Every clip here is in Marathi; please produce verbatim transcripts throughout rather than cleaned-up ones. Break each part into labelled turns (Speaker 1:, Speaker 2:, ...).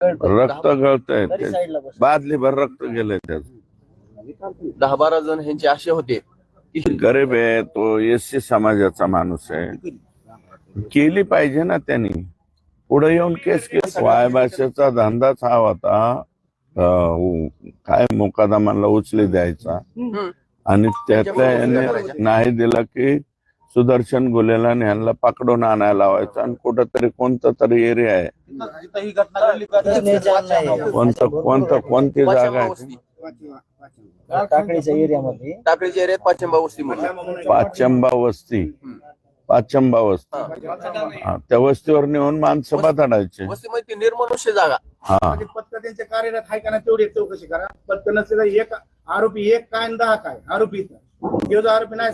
Speaker 1: रक्त गळतंय, बादली भर रक्त गेलंय त्याच.
Speaker 2: दहा बारा जण ह्यांचे असे होते की
Speaker 1: गरीब आहे तो, एससी समाजाचा माणूस आहे, केली पाहिजे ना त्यांनी. पुढे येऊन केस केली. वाय भाषेचा धंदाच हा होता, काय मुकादमाला उचली द्यायचा आणि त्यातल्या याने नाही दिला की सुदर्शन गुलेला ह्यांना पकडून आणायला लावायचं आणि कुठंतरी कोणतं तरी एरिया आहे, कोणतं कोणतं कोणती जागा आहे
Speaker 3: टाकळीच्या एरियामध्ये,
Speaker 2: टाकळीच्या एरियात पाचंबा वस्ती म्हणून.
Speaker 1: पाचंबा वस्ती, पाचंबा वस्ती, त्या वस्तीवर नेऊन माणसं बांधायचे.
Speaker 2: वस्तीमध्ये निर्मनुष्य जागा.
Speaker 1: हा,
Speaker 4: पथक त्यांच्या कार्यरत आहे का ना तेवढी चौकशी करा. पथक नसलेला एक आरोपी एक काय आणि दहा काय आरोपी जो आरोपी नाही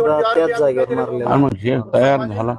Speaker 4: सापडला
Speaker 1: मग हे तयार झाला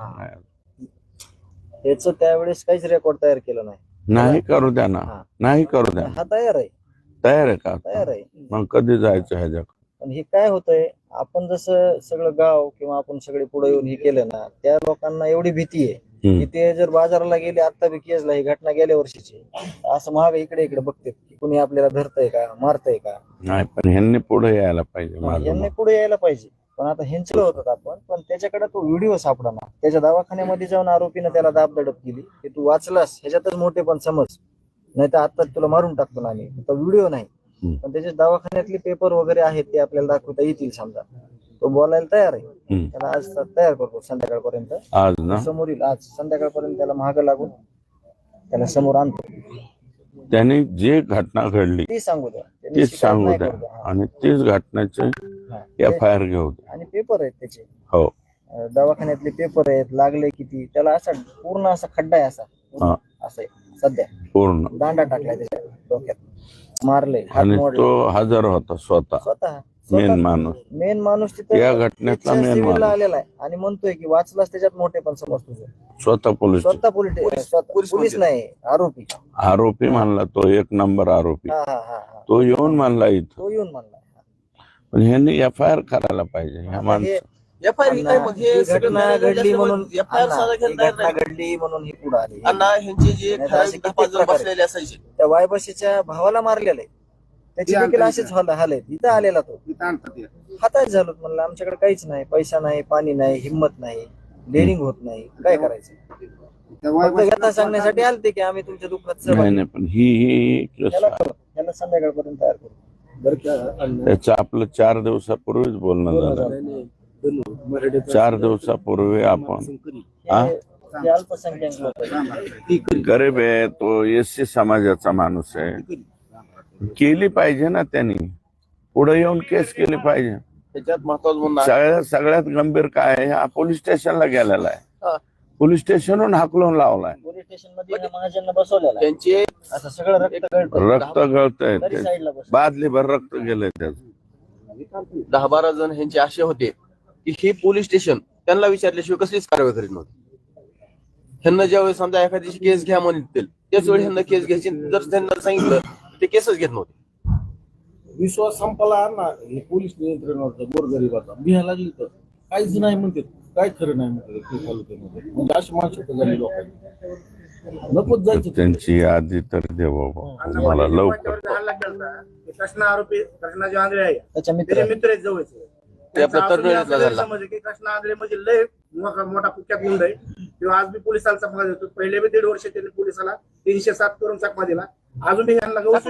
Speaker 3: त्याच त्यावेळेस काहीच रेकॉर्ड तयार केलं नाही.
Speaker 1: नाही करू द्या ना, नाही करू द्या.
Speaker 3: हा तयार आहे,
Speaker 1: तयार आहे का?
Speaker 3: तयार आहे.
Speaker 1: मग कधी जायचं ह्याच्या?
Speaker 3: पण हे काय होतंय, आपण जसं सगळं गाव किंवा आपण सगळे पुढे येऊन हे केलं ना, त्या लोकांना एवढी भीती आहे की ते जर बाजाराला गेले, आता बी केसला ही घटना गेल्या वर्षीची, असं महाग इकडे इकडे बघते की कुणी आपल्याला धरतय का, मारतय का.
Speaker 1: नाही, पण ह्यांनी पुढे यायला पाहिजे.
Speaker 3: यांनी पुढे यायला पाहिजे. पण आता ह्यांचं होतं आपण, पण त्याच्याकडे तो व्हिडिओ सापडला. त्याच्या दवाखान्यामध्ये जाऊन आरोपीनं त्याला दाब दडप केली की तू वाचलास ह्याच्यातच मोठे पण समज, नाही तर आता तुला मारून टाकतो ना आम्ही. तो व्हिडिओ नाही, पण त्याच्या दवाखान्यातले पेपर वगैरे आहेत ते आपल्याला दाखवता येतील. समजा तो बोलायला तयार आहे, त्याला आज तयार करतो संध्याकाळपर्यंत.
Speaker 1: आज ना
Speaker 3: समोर येईल, आज संध्याकाळपर्यंत त्याला महाग लागून त्याला समोर आणतो.
Speaker 1: त्यांनी जे घटना घडली
Speaker 3: ती सांगू द्या,
Speaker 1: तीच सांगू द्या आणि तीच घटनेचे एफ आय आर घेऊ द्या.
Speaker 3: आणि पेपर आहेत त्याचे,
Speaker 1: हो,
Speaker 3: दवाखान्यातले पेपर आहेत, लागले किती त्याला. असा पूर्ण असा खड्डा आहे, असा असं आहे सध्या,
Speaker 1: पूर्ण
Speaker 3: दांडा टाकलाय त्याच्या डोक्यात, मारले.
Speaker 1: आणि तो हजर होता स्वतः,
Speaker 3: स्वतः
Speaker 1: मेन माणूस,
Speaker 3: मेन माणूस तिथे
Speaker 1: या घटनेतला मेन माणूस
Speaker 3: आलेला आहे आणि म्हणतोय की वाचलास त्याच्यात मोठे पण समज तुझं.
Speaker 1: स्वतः पोलीस,
Speaker 3: स्वतः पोलीस, पोलीस नाही, आरोपी.
Speaker 1: आरोपी म्हणला तो, एक नंबर आरोपी.
Speaker 3: हा हा हा,
Speaker 1: तो येऊन म्हणला इथं,
Speaker 3: तो येऊन म्हणला.
Speaker 1: पण ह्यांनी एफ आय आर करायला पाहिजे ह्या माणसं.
Speaker 2: एफ आय आर
Speaker 3: घटना घडली म्हणून,
Speaker 2: एफ आय आर साधा घेतला
Speaker 3: घटना घडली म्हणून ही पुढे आली.
Speaker 2: अण्णा ह्यांचे जे बसलेले असायचे,
Speaker 3: त्या वायबशीच्या भावाला मारलेलं आहे, त्याची देखील असेच हाल आहेत. इथं आलेला तो हाताच झालो. म्हणलं आमच्याकडे काहीच नाही, पैसा नाही, पाणी नाही, हिंमत नाही, डेअरिंग होत नाही, काय करायचं. फक्त सांगण्यासाठी आलते की आम्ही तुमच्या दुःखात
Speaker 1: नाही नाही, पण ही ही
Speaker 3: त्याला संध्याकाळपर्यंत तयार करू.
Speaker 1: त्याचं आपलं चार दिवसापूर्वीच बोलणं झालं. चार दिवसापूर्वी आपण
Speaker 3: अल्पसंख्याक लोक,
Speaker 1: गरीब आहे तो, एससी समाजाचा माणूस आहे, केली पाहिजे ना त्यांनी. पुढे येऊन केस केली पाहिजे.
Speaker 2: त्याच्यात महत्वाचं
Speaker 1: सगळ्यात सगळ्यात गंभीर काय आहे, हा पोलीस स्टेशनला गेलेला आहे, पोलीस स्टेशनहून हाकलून लावलाय,
Speaker 3: पोलीस स्टेशन मध्ये महाजन बसवलेला.
Speaker 2: त्यांचे
Speaker 3: असं सगळं रक्त गळतं,
Speaker 1: रक्त गळतंय, बादली भर रक्त गेलंय त्याच.
Speaker 2: दहा बारा जण ह्यांचे असे होते की हे पोलीस स्टेशन त्यांना विचारल्याशिवाय कसलीच कारवाई करीत नव्हती. ह्यांना ज्यावेळेस समजा एखाद्याची केस घ्या म्हणतील त्याच वेळी ह्यांना केस घ्यायची, जर त्यांना सांगितलं ते केसच घेत नव्हते.
Speaker 5: विश्वास संपला ना हे पोलीस नियंत्रणावरचा गोरगरिबाचा. बिहा लागली तर काहीच नाही म्हणते, काय खरं नाही म्हणते तालुक्यामध्ये. म्हणजे अशी माणसं झाली लोकांनी, नकोच जायचं.
Speaker 1: त्यांची यादी तर दे बाबा मला लवकर.
Speaker 4: कृष्णा आरोपी, कृष्णा जे आंधळे आहे
Speaker 3: त्याच्या मित्र
Speaker 4: मित्र आहेत जवळचे, कृष्णा आंधळे म्हणजे लय मोठा कुख्यात गुंड आहे. किंवा आज बी पोलिसाला चकमा देतो. पहिले बी दीड वर्ष त्यांनी पोलिसाला तीनशे सात करून चकमा दिला. अजून बी यांना
Speaker 2: बरोबर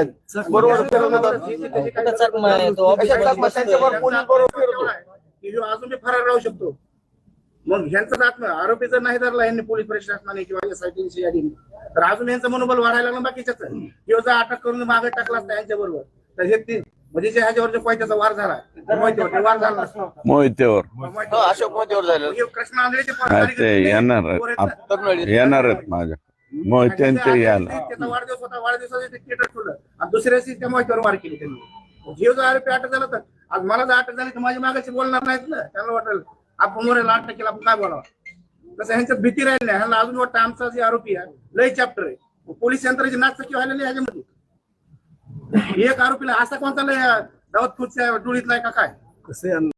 Speaker 4: अजून बी फरार राहू शकतो. मग ह्यांचाच आत्मा आरोपी जर नाही धरला यांनी पोलीस प्रशासनाने किंवा एसआयटीची यादी, तर अजून यांचं मनोबल वाढायला लागलं बाकीच्याच. किंवा जर अटक करून मागे टाकला असता यांच्या बरोबर, तर हे तीन म्हणजे जे ह्याच्यावर जो पैशाचा वार झाला, मोहितेवर वार झाला
Speaker 1: मोहितेवर,
Speaker 2: अशोक मोहितेवर झालं.
Speaker 4: कृष्णा आंधळेचे
Speaker 1: ते येणार येणार आहेत माझ्या मोहित्यांचे याला.
Speaker 4: त्याचा वाढदिवस होता, वाढदिवसाचे थिएटर ठेवलं आणि दुसऱ्या दिवशी त्या मोहितेवर वार केली त्यांनी. जीव जर आरोपी अटक झाला तर आज मला जर अटक झाली तर माझ्या मागाशी बोलणार नाहीत ना. त्यांना वाटेल आपण मोरेला अटक केला, आपण काय बोलावं. तसं ह्यांच्यात भीती राहिली नाही. ह्यांना अजून वाटतं आमचा जे आरोपी आहे लय चॅप्टर आहे. पोलीस यंत्राची नाचकी व्हायला ह्याच्यामध्ये. एक आरोपीला असा कोणता लय दावत खुर्च्या डोळीतला का काय कसं